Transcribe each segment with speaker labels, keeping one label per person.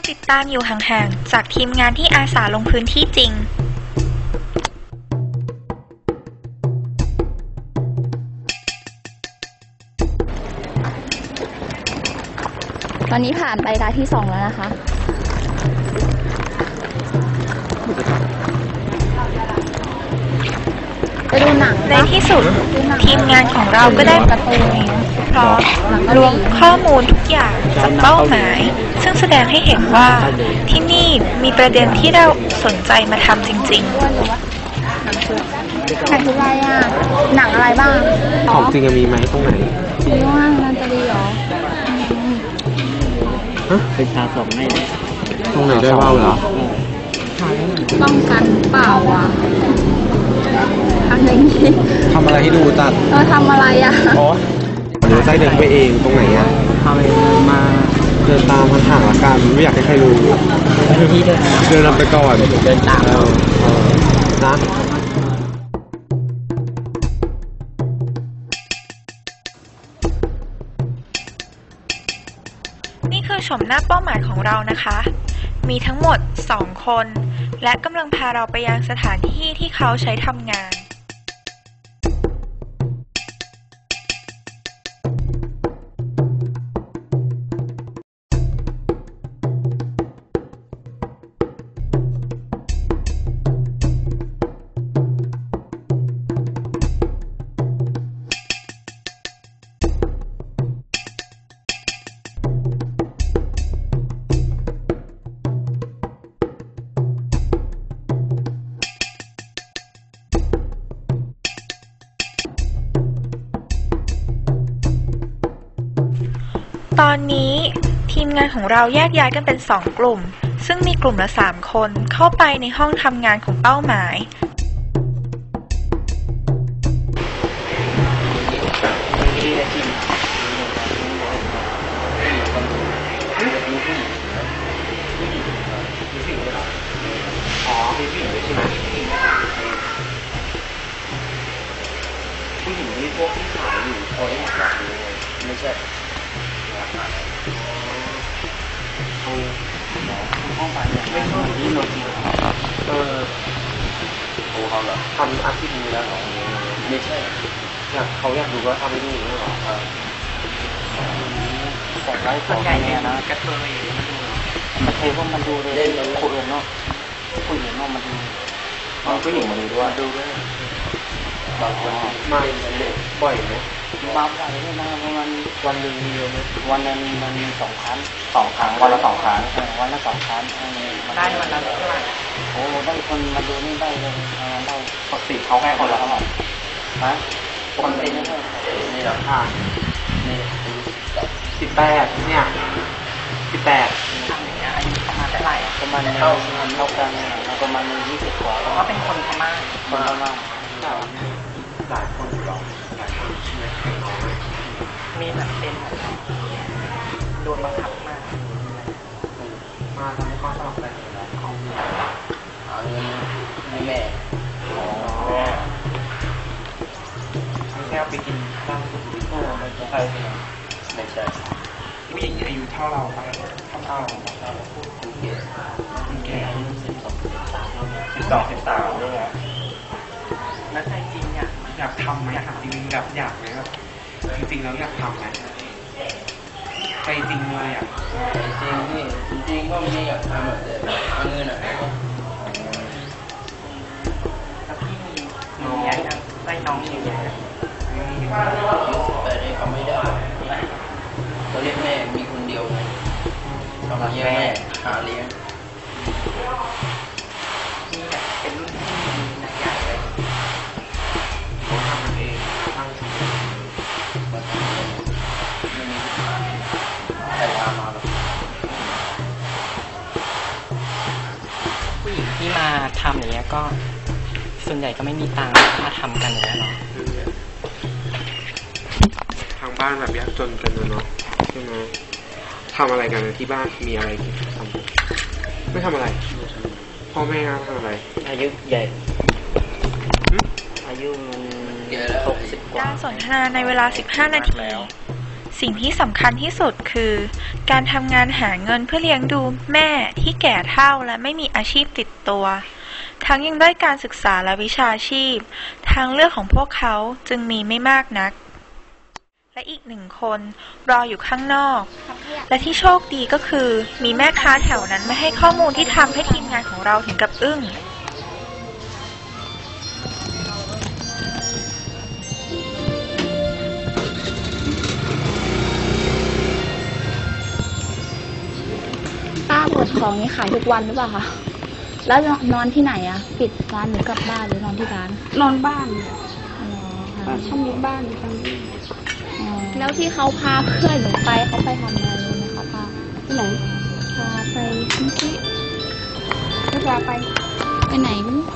Speaker 1: ติดตามอยู่ห่างๆจากทีมงานที่อาสาลงพื้นที่จริง
Speaker 2: ตอนนี้ผ่านไปรายที่2แล้วนะคะไปดูหนัง
Speaker 1: ในที่สุดทีมงานของเราก็ได้
Speaker 2: การ์ตูน
Speaker 1: พร้อมรวมข้อมูลทุกอย่างจากเป้าหมายซึ่งแสดงให้เห็นว่าที่นี่มีประเด็นที่เราสนใจมาทำจริงๆ
Speaker 2: หนังชุดอะไรอ่ะหนังอะไรบ้าง
Speaker 3: ของจริงมีไหมตรงไหน
Speaker 2: มีว่ามันจะดีหรอ
Speaker 4: เป็นชาสองไม่
Speaker 3: ตรงไหนได้ว่าวเหรอ
Speaker 2: ป้องกันเปล่าอ่ะอะไรนี่
Speaker 3: ทำอะไรให้ดูตัด
Speaker 2: ทำอะไรอ่ะ
Speaker 3: เดี๋ยวใจเดินไปเองตรงไหนอ่ะ
Speaker 4: ทำอะไรมา
Speaker 3: เดินตามห่างๆละกันไม่อยากให้ใครรู้
Speaker 4: ที่
Speaker 3: เดินนำไปก่อน
Speaker 4: เดินตาม
Speaker 3: นะ
Speaker 1: นี่คือชมหน้าเป้าหมายของเรานะคะมีทั้งหมด2คนและกำลังพาเราไปยังสถานที่ที่เขาใช้ทำงานตอนนี้ทีมงานของเราแยกย้ายกันเป็น2กลุ่มซึ่งมีกลุ่มละ3คนเข้าไปในห้องทำงานของเป้าหมาย
Speaker 4: ผู้หญิงที่พวกที่ขายอยู่เขาได้หมดแบบนี้ไม่ใช่ห้องไปเนี่ยไม่ชอบที่โนจิโอ้เขาเหรอทำอาชีพนี้แล้วเหรอไม่ใช่
Speaker 3: เขาอยากดูว่าทำไม่ดูหรือเปล่า
Speaker 4: แต่ไลฟ์ส่วนใหญ่เนี่ยนะกระเทยมันเทพวกมันดูเลยผู้อื่นเนาะผู้หญิงเนาะมันดูผู้หญิงมันดูด้วยบางคน
Speaker 3: มาบ่อยไหม
Speaker 4: มาบ่อยด้วยนะประมาณวันหนึ่งมีเยอะไหมวันนึงมันมี2 ครั้งวันละ2 ครั้งวันละ2 ครั้งได้วันละเท่าไหร่โอ้ได้คนมาดูนี่ได้เลยได้ปกติเขาให้คนละเท่าไหร่ฮะปกตินี่เหรอนี่
Speaker 3: 18เนี่ย18
Speaker 4: ทำอย่างเงี้ยอายุประมาณเท่าไหร่ประมาณเท่ากันประมาณ20 กว่าก็เป็นคนพม่าหลายคนหรอมีแบบเป็นโดนบังคับมา
Speaker 3: ทำให้ข้อสอบได้
Speaker 4: ของเอาเงินให้แม่
Speaker 3: แค่ไปกินข้าวสุกี้ไม่ใช่ผู้หญิงอายุเท่าเราครับเท่า
Speaker 4: แก่อายุ
Speaker 3: 12-13ด้วย
Speaker 4: แล้วใจจริง
Speaker 3: อยากทำไหมครับจริงๆอยากไหมครับจริงๆแล้วอยากทำไหมใจจริงเลย
Speaker 4: จริงก็ไม่ได้อยากทำแบบเอาเงินแล้วพี่มีน้องได้น้องอยู่แต่ได้เขาไม่ได้เขาเรียกแม่มีคนเดียวไงทำเลี้ยงแม่หาเลี้ยงนี่แบบเป็นรุ่นที่นักใหญ่เลย
Speaker 3: เขาทำมันเองตั้ง
Speaker 4: แต่ลามาแบบผู้หญิงที่มาทำอย่างเงี้ยก็ส่วนใหญ่ก็ไม่มีตังค์มาทำกันอย่างเงี้ยหรอ
Speaker 3: ทางบ้านแบบยากจนกันเนาะใช่ไหมทำอะไรกันที่บ้านมีอะไรทำไม่ทำอะไรพ่อแม่ทำอะไร
Speaker 4: อายุใหญ่อายุ60 กว่า
Speaker 1: การสนทนาในเวลา15 นาทีสิ่งที่สำคัญที่สุดคือการทำงานหาเงินเพื่อเลี้ยงดูแม่ที่แก่เฒ่าและไม่มีอาชีพติดตัวทั้งยังได้การศึกษาและวิชาชีพทางเลือกของพวกเขาจึงมีไม่มากนักและอีกหนึ่งคนรออยู่ข้างนอกและที่โชคดีก็คือมีแม่ค้าแถวนั้นมาให้ข้อมูลที่ทำให้ทีมงานของเราถึงกับอึ้ง
Speaker 2: ป้าเปิดของนี้ขายทุกวันหรือเปล่าคะแล้วนอนที่ไหนอะปิดร้านหรือกลับบ้านหรือนอนที่ร้าน
Speaker 5: นอนบ้าน
Speaker 2: อ๋อ
Speaker 5: ป้า
Speaker 2: ค่ะ
Speaker 5: เขามีบ้านอยู่ตรงนี้
Speaker 2: แล้วที่เขาพาเพื่อนหนูไปเขาไปทำอะไรรู้ไหมคะป้า
Speaker 5: ที่ไหน
Speaker 2: พาไปเมื่อกี้
Speaker 5: ก็พาไป
Speaker 2: ไปไหนไม่รู้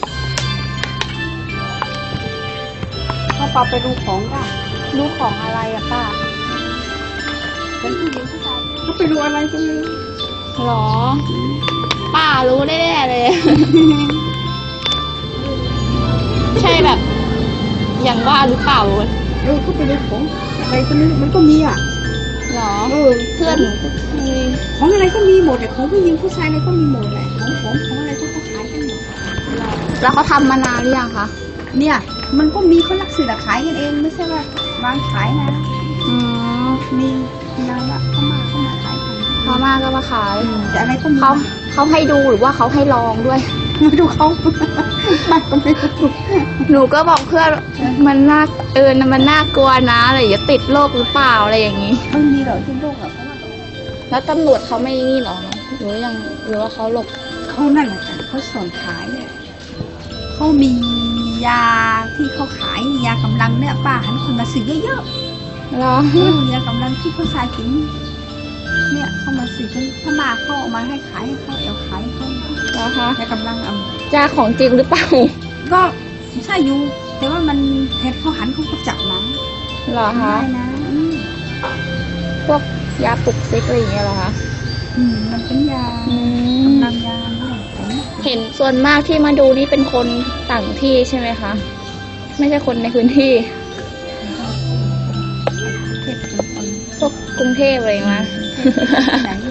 Speaker 5: เขาพาไปดูของได้
Speaker 2: รู้ของอะไรอะป้า
Speaker 5: เป็นผู้หญิงผู้ชายเขาไปดูอะไรก็ไม่รู้
Speaker 2: หรอ ป้ารู้แน่ๆเลย ใช่แบบ อย่างว่าหรือเปล่า
Speaker 5: เขาไปดูของอะไรก็ไม่รู้มันก็มีอ่ะ
Speaker 2: หรอ
Speaker 5: เพื่อน ของอะไรก็มีหมดแต่ของผู้หญิงผู้ชายอะไรก็มีหมดแหละของอะไรก็เขาขายกันหมด
Speaker 2: แล้วเขาทำมานานหรือยังคะ
Speaker 5: เนี่ยมันก็มีเขาลักสื่อขายกันเองไม่ใช่ว่าวางขายนะ
Speaker 2: อืม
Speaker 5: มีนานละเขามาขายกัน
Speaker 2: พม่าก็มาขาย
Speaker 5: แต่อะไรก็มี
Speaker 2: เขาให้ดูหรือว่าเขาให้ลองด้วย
Speaker 5: ไม่ดูเขามันก็ไม่รู้
Speaker 2: หนูก็บอกเพื่อนมันน่ามันน่ากลัวนะอะไรอย่าติดโรคหรือเปล่าอะไรอย่างนี้
Speaker 5: ไม่มีหรอกที่โลกอะเพราะว่า
Speaker 2: แล้วตำรวจเขาไม่นี่หรอหรือยังหรือว่าเขาหลบ
Speaker 5: เขานั่นแหละค่ะเขาสอนขายเนี่ยเขามียาที่เขาขายยากำลังเนี่ยป้าหันคนมาซื้อเยอะ
Speaker 2: เหรอ
Speaker 5: ๆยากำลังที่เขาชายกินเนี่ยเขามาซื้อถ้ามาเขาเอามาให้ขายให้เขาเอาขายให้เขา
Speaker 2: เหรอคะ
Speaker 5: ยากำลังเอา
Speaker 2: จ้าของจริงหรือเปล่า
Speaker 5: ก็ใช่อยู่แต่ว่ามันเห็ดเขาหันเขาก็จับนะ
Speaker 2: เหรอ
Speaker 5: ได้
Speaker 2: คะ
Speaker 5: นะ
Speaker 2: พวกยาปลุกซิกอะไรอย่างเงี้ยเหรอคะ
Speaker 5: มันเป็นยา
Speaker 2: อื
Speaker 5: กำ
Speaker 2: ม
Speaker 5: ลังยาเนี่ยผม
Speaker 2: เห็นส่วนมากที่มาดูนี่เป็นคนต่างที่ใช่ไหมคะ ไม่ใช่คนในพื้นที่
Speaker 5: เทพเป็นคน
Speaker 2: พวกกรุงเทพอะไรอย่างเงี้ย
Speaker 5: ไหนอยู่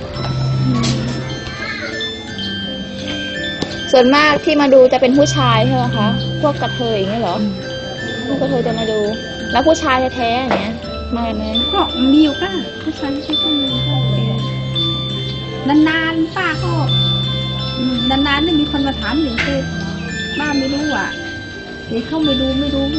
Speaker 2: ส่วนมากที่มาดูจะเป็นผู้ชายใช่ไหมคะ พวกกระเทยอย่างเงี้ยเหรอ พวกกระเทยจะมาดู แล้วผู้ชายแท้ๆอย่างเงี้ย มาไหม
Speaker 5: ก็มีอยู่ก็ผู้ชายที่ก็มีก็เป็นนานๆป้าก็นานๆนี่มีคนมาถามหนึ่งคือป้าไม่รู้อ่ะเดี๋ยวเขาไม่รู้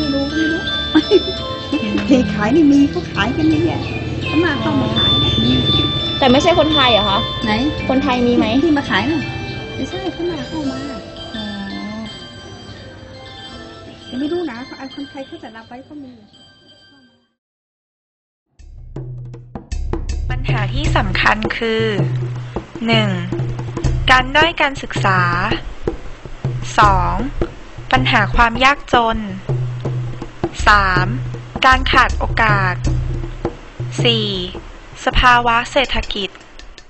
Speaker 5: เด็กขายนี่มีเขาขายกันนี่เนี่ยเขามาเข้ามาขายนะ
Speaker 2: แต่ไม่ใช่คนไทยเหรอคะ
Speaker 5: ไหน
Speaker 2: คนไทยมีไหม
Speaker 5: ที่มาขายน่ะไม่ใช่เขามาเข้ามา
Speaker 2: อ๋อ
Speaker 5: แต่ไม่รู้นะคนไทยเขาจะรับไว้ก็มี
Speaker 1: ปัญหาที่สำคัญคือ 1. การด้อยการศึกษา 2. ปัญหาความยากจน 3. การขาดโอกาส 4. สภาวะเศรษฐกิจ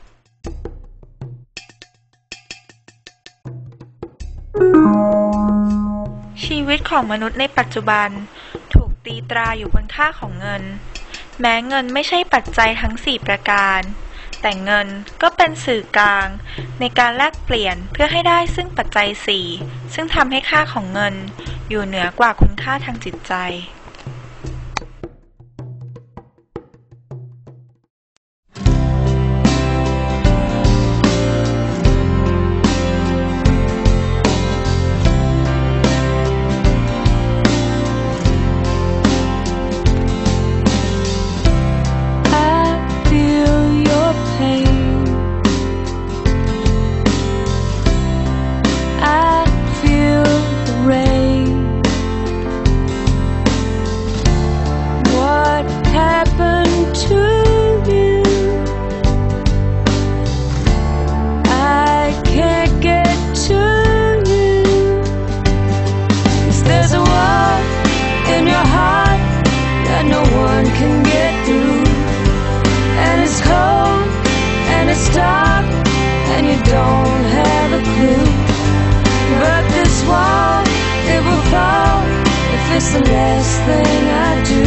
Speaker 1: ชีวิตของมนุษย์ในปัจจุบันถูกตีตราอยู่บนค่าของเงิน แม้เงินไม่ใช่ปัจจัยทั้ง 4 ประการ แต่เงินก็เป็นสื่อกลางในการแลกเปลี่ยนเพื่อให้ได้ซึ่งปัจจัย 4 ซึ่งทำให้ค่าของเงินอยู่เหนือกว่าคุณค่าทางจิตใจ
Speaker 6: Don't have a clue, but this wall, it will fall if it's the last thing I do.